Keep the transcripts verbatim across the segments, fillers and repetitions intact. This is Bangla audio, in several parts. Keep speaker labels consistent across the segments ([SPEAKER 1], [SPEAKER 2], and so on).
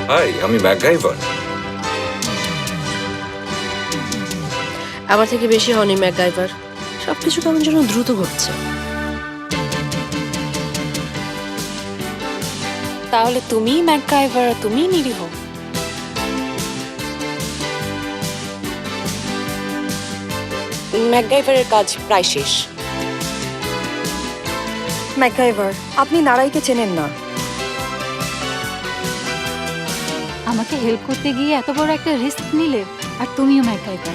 [SPEAKER 1] হাই, আমি ম্যাকগাইভার।
[SPEAKER 2] আমার থেকে বেশি হনি ম্যাকগাইভার। সবকিছু কেমন যেন দ্রুত ঘটছে।
[SPEAKER 3] তাহলে তুমি ম্যাকগাইভার, তুমি নিরীহ। ম্যাকগাইভারের কাজ প্রায় শেষ।
[SPEAKER 4] ম্যাকগাইভার, আপনি নারাইকে চেনেন না।
[SPEAKER 5] আমাকে হেল্প করতে গিয়ে এত বড় একটা রিস্ক নিলে, আর তুমিও ম্যাকগাইভার।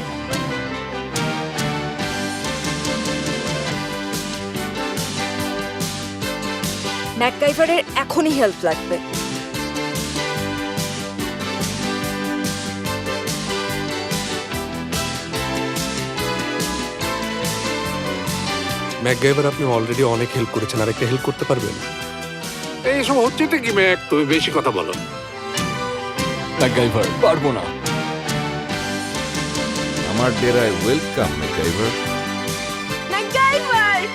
[SPEAKER 4] ম্যাকগাইভারের এখনই হেল্প লাগবে।
[SPEAKER 6] ম্যাকগাইভার, আপনি অলরেডি অনেক হেল্প করেছেন, আর একটা হেল্প করতে পারবেন?
[SPEAKER 7] এইসব হচ্ছেটা কি ম্যাক? তুমি বেশি কথা বলো।
[SPEAKER 6] ম্যাকগাইভার, পারবো না।
[SPEAKER 1] আমার ডেরায় ওয়েলকাম ম্যাকগাইভার।
[SPEAKER 4] ম্যাকগাইভার!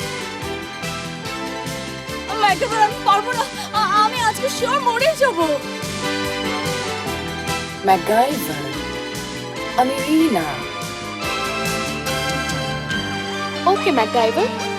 [SPEAKER 4] ম্যাকগাইভার, আমি পারবো না। আ- আমি আজকে শিওর মরে যাব।
[SPEAKER 3] ম্যাকগাইভার, আমি রিনা। ওকে ম্যাকগাইভার,